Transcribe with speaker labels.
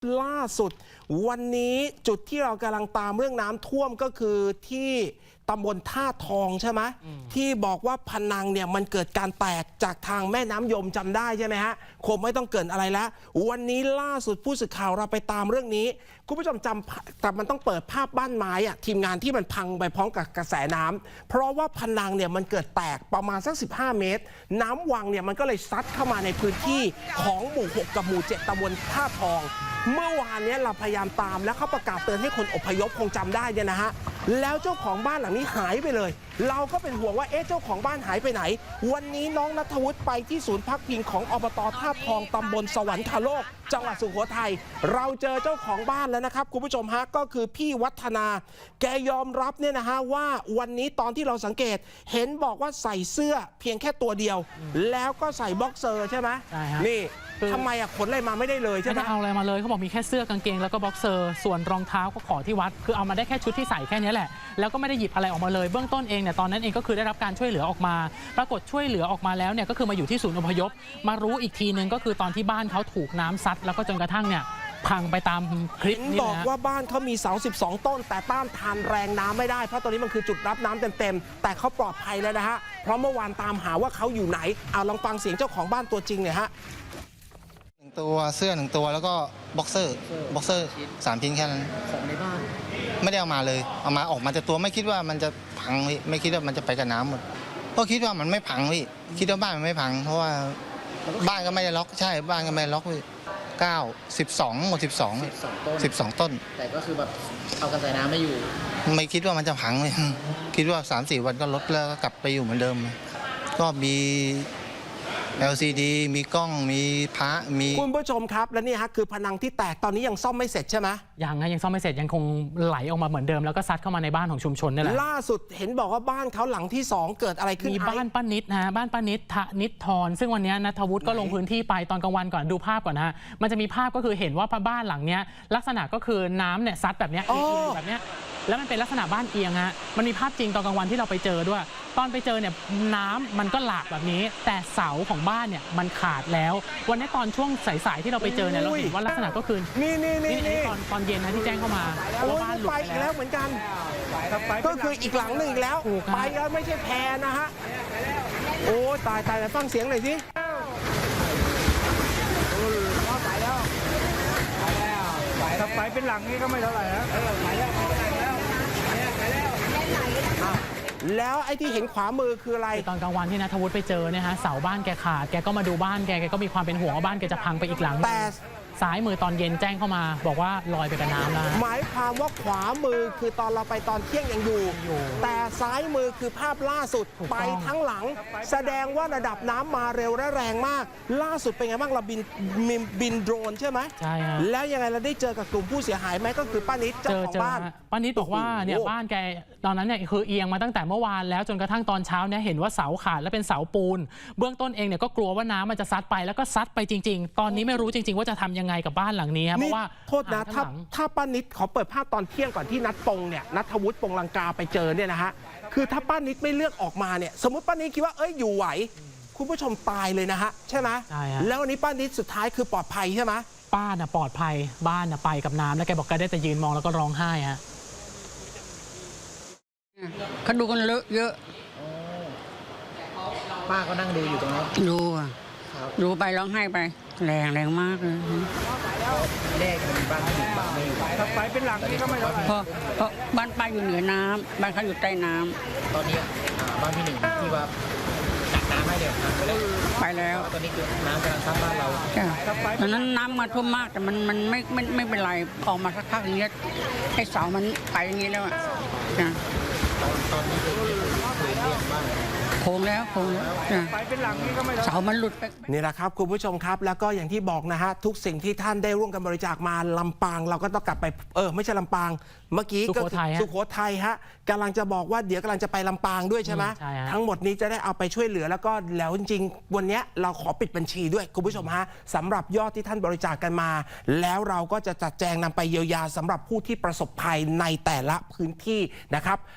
Speaker 1: ล่าสุดวันนี้จุดที่เรากำลังตามเรื่องน้ำท่วมก็คือที่ตำบลท่าทองใช่ไหมที่บอกว่าพนังเนี่ยมันเกิดการแตกจากทางแม่น้ำยมจำได้ใช่ไหมฮะคงไม่ต้องเกินอะไรแล้ววันนี้ล่าสุดผู้สื่อข่าวเราไปตามเรื่องนี้คุณผู้ชมจำแต่มันต้องเปิดภาพบ้านไม้อะทีมงานที่มันพังไปพร้อมกับกระแสน้ำเพราะว่าพนังเนี่ยมันเกิดแตกประมาณสัก15 เมตรน้ำวังเนี่ยมันก็เลยซัดเข้ามาในพื้นที่ของหมู่ 6 กับหมู่ 7 ตำบลท่าทองเมื่อวานนี้เราพยายามตามแล้วเขาประกาศเตือนให้คนอพยพคงจำได้เนี่ยนะฮะแล้วเจ้าของบ้านหลังนี้หายไปเลยเราก็เป็นห่วงว่าเจ้าของบ้านหายไปไหนวันนี้น้องณัฐวุฒิไปที่ศูนย์พักพิงของอบต.ท่าทองตำบลสวรรคโลกจังหวัดสุโขทัยเราเจอเจ้าของบ้านแล้วนะครับคุณผู้ชมฮะก็คือพี่วัฒนาแกยอมรับเนี่ยนะฮะว่าวันนี้ตอนที่เราสังเกตเห็นบอกว่าใส่เสื้อเพียงแค่ตัวเดียวแล้วก็ใส่บ็อกเซอร์ใช่ไหมนี่ทำไมขนอะไรมาไม่ได้เลยใช่ไหม
Speaker 2: ไม่ได้เอาอะไรมาเลยเขาบอกมีแค่เสื้อกางเกงแล้วก็บ็อกเซอร์ส่วนรองเท้าก็ขอที่วัดคือเอามาได้แค่ชุดที่ใส่แค่นี้แหละแล้วก็ไม่ได้หยิบอะไรออกมาเลยเบื้องต้นเองเนี่ยตอนนั้นเองก็คือได้รับการช่วยเหลือออกมาปรากฏช่วยเหลือออกมาแล้วเนี่ยก็คือมาอยู่ที่ศูนย์อพยพมารู้อีกทีนึงก็คือตอนที่บ้านเขาถูกน้ำซัดแล้วก็จนกระทั่งเนี่ยพังไปตามคลิปนี้
Speaker 1: บอกว่าบ้านเขามีเสา12 ต้นแต่ต้านทานแรงน้ำไม่ได้เพราะตอนนี้มันคือจุดรับน้ำเต็มๆแต่เขาปลอดภัยแล้วนะฮะเพราะเมื่อวานตามหาว่าเขาอยู่ไหนเอาลองฟังเสียงเจ้าของบ้านตัวจริงเนี่ยฮะ
Speaker 3: 1 ตัวเสื้อ1 ตัวแล้วก็บ็อกเซอร์3 ชิ้นแค่นั้น
Speaker 4: ของในบ้าน
Speaker 3: ไม่ได้เอามาเลยเอามาออกมาแต่ตัวไม่คิดว่ามันจะพังพี่ไม่คิดว่ามันจะไปกับน้ำหมดก็คิดว่ามันไม่พังพี่คิดว่าบ้านมันไม่พังเพราะว่าบ้านก็ไม่ได้ล็อกใช่บ้านก็ไม่ได้ล็อกพี่12หมด12 ต้น
Speaker 4: แต่ก็คือแบบเอากระแสน้ำไม่อยู่
Speaker 3: ไม่คิดว่ามันจะพังเลยคิดว่า 3-4 วันก็ลดแล้วก็กลับไปอยู่เหมือนเดิมก็มี LCD มีกล้องมีพระมี
Speaker 1: คุณผู้ชมครับและนี่ฮะคือผนังที่แตกตอนนี้ยังซ่อมไม่เสร็จใช่ไหม
Speaker 2: ยังซ่อมไม่เสร็จยังคงไหลออกมาเหมือนเดิมแล้วก็ซัดเข้ามาในบ้านของชุมชนนี่แหละ
Speaker 1: ล่าสุดเห็นบอกว่าบ้านเขาหลังที่2เกิดอะไรขึ้น
Speaker 2: มีบ้านป้านิดนะบ้านป้านิดนิดทรซึ่งวันนี้ณัฐวุฒิก็ลงพื้นที่ไปตอนกลางวันก่อนดูภาพก่อนนะมันจะมีภาพก็คือเห็นว่าบ้านหลังนี้ลักษณะก็คือน้ำเนี่ยซัดแบบนี้แบบนี้แล้วมันเป็นลักษณะบ้านเอียงฮะมันมีภาพจริงตอนกลางวันที่เราไปเจอด้วยตอนไปเจอเนี่ยน้ำมันก็หลากแบบนี้แต่เสาของบ้านเนี่ยมันขาดแล้ววันนี้ตอนช่วงสายๆที่เราไปเจอเนี่ยเราเห็นว่าลักษณะก็คือนี่ตอนเย็นนะที่แจ้งเข้ามาว่าบ้านหลุดไป
Speaker 1: แล้วเหมือนกันก็คืออีกหลังหนึ่งอีกแล้วไปแล้วไม่ใช่แพรนะฮะโอ้ตายฟังเสียงหน่อยสิ
Speaker 5: ถ้าไปเป็นหลังนี้ก็ไม่เท่าไหร่นะ
Speaker 1: แล้วไอ้ที่เห็นขวามือคืออะไร
Speaker 2: ตอนกลางวันที่ณัฐวุฒิไปเจอเนี่ยฮะเสาบ้านแกขาดแกก็มาดูบ้านแกก็มีความเป็นห่วงว่าบ้านแกจะพังไปอีกหลัง
Speaker 1: แต่
Speaker 2: ซ้ายมือตอนเย็นแจ้งเข้ามาบอกว่าลอยไปกับน้ำแล้ว
Speaker 1: หมายความว่าขวามือคือตอนเราไปตอนเที่ยงยังอยู่แต่ซ้ายมือคือภาพล่าสุดไปทั้งหลังแสดงว่าระดับน้ำมาเร็วและแรงมากล่าสุดเป็นไงบ้างเราบินโดรนใช่ไหม
Speaker 2: ใช่ฮะ
Speaker 1: แล้วยังไงเราได้เจอกับกลุ่มผู้เสียหายไหมก็คือป้านิดเจ้าของบ้าน
Speaker 2: ป้านิดบอกว่าเนี่ยบ้านแกตอนนั้นเนี่ยคือเอียงมาตั้งแต่เมื่อวานแล้วจนกระทั่งตอนเช้าเนี่ยเห็นว่าเสาขาดและเป็นเสาปูนเบื้องต้นเองเนี่ยก็กลัวว่าน้ำมันจะซัดไปแล้วก็ซัดไปจริงๆตอนนี้ไม่รู้จริงๆว่าจะทำยังไงกับบ้านหลังนี้เพราะว่า
Speaker 1: โทษนะถ้าป้านิดขอเปิดภาพตอนเที่ยงก่อนที่นัทปงเนี่ยณัฐวุฒิปงลังกาไปเจอเนี่ยนะฮะคือถ้าป้านิดไม่เลือกออกมาเนี่ยสมมติป้านิดคิดว่าอยู่ไหวคุณผู้ชมตายเลยนะฮะใช่ไหม
Speaker 2: ใช่ฮะ
Speaker 1: แล้ววันนี้ป้านิดสุดท้ายคือปลอดภัยใช่ไหม
Speaker 2: ป้าน่ะปลอดภัยบ้านน่ะไปกับน้ำแล้วแกบอกแกได้แต่ยืนมองแล้วก็ร้องไห้ฮะ
Speaker 6: เขาดูกันเยอะ
Speaker 4: ป้าก็นั่งดูอยู่ตรงนั้น
Speaker 6: ดูไปร้องไห้ไปแรงมากเลย
Speaker 4: แรกมันบ้านที่บ้านไม่อยู่
Speaker 5: ถ้าไปเป็นหลังนี้ก็ไม่เท่าไหร่
Speaker 6: เพราะบ้านป้าอยู่เหนือน้ำบ้านเขาอยู่ใต้น้
Speaker 4: ำตอนนี้บ้านพี่หนึ่งที่ว่าตักน้ำให้เดี๋ยว
Speaker 6: ไปแล้ว
Speaker 4: ตอนนี้คือน้ำกำลังซัดบ้านเรา
Speaker 6: ตอนนั้นน้ำมาท่วมมากแต่มันไม่เป็นไรออกมาสักพักอย่างเงี้ยให้เสามันไปอย่างงี้แล้ว
Speaker 4: ตอนนี้คือเรียกบ้าน
Speaker 6: โค้งแล้ว
Speaker 5: ไปเป็นหลังนี้ก็ไม่
Speaker 6: เสามันหลุดไป
Speaker 1: นี่แหละครับคุณผู้ชมครับแล้วก็อย่างที่บอกนะฮะทุกสิ่งที่ท่านได้ร่วมกันบริจาคมาลำปางเราก็ต้องกลับไปไม่ใช่ลำปางเมื่อกี้ก็สุโขทัยฮะกำลังจะบอกว่าเดี๋ยวกำลังจะไปลำปางด้วยใช่ไหมทั้งหมดนี้จะได้เอาไปช่วยเหลือแล้วก็แล้วจริงๆวันนี้เราขอปิดบัญชีด้วยคุณผู้ชมฮะสำหรับยอดที่ท่านบริจาคกันมาแล้วเราก็จะจัดแจงนำไปเยียวยาสำหรับผู้ที่ประสบภัยในแต่ละพื้นที่นะครับ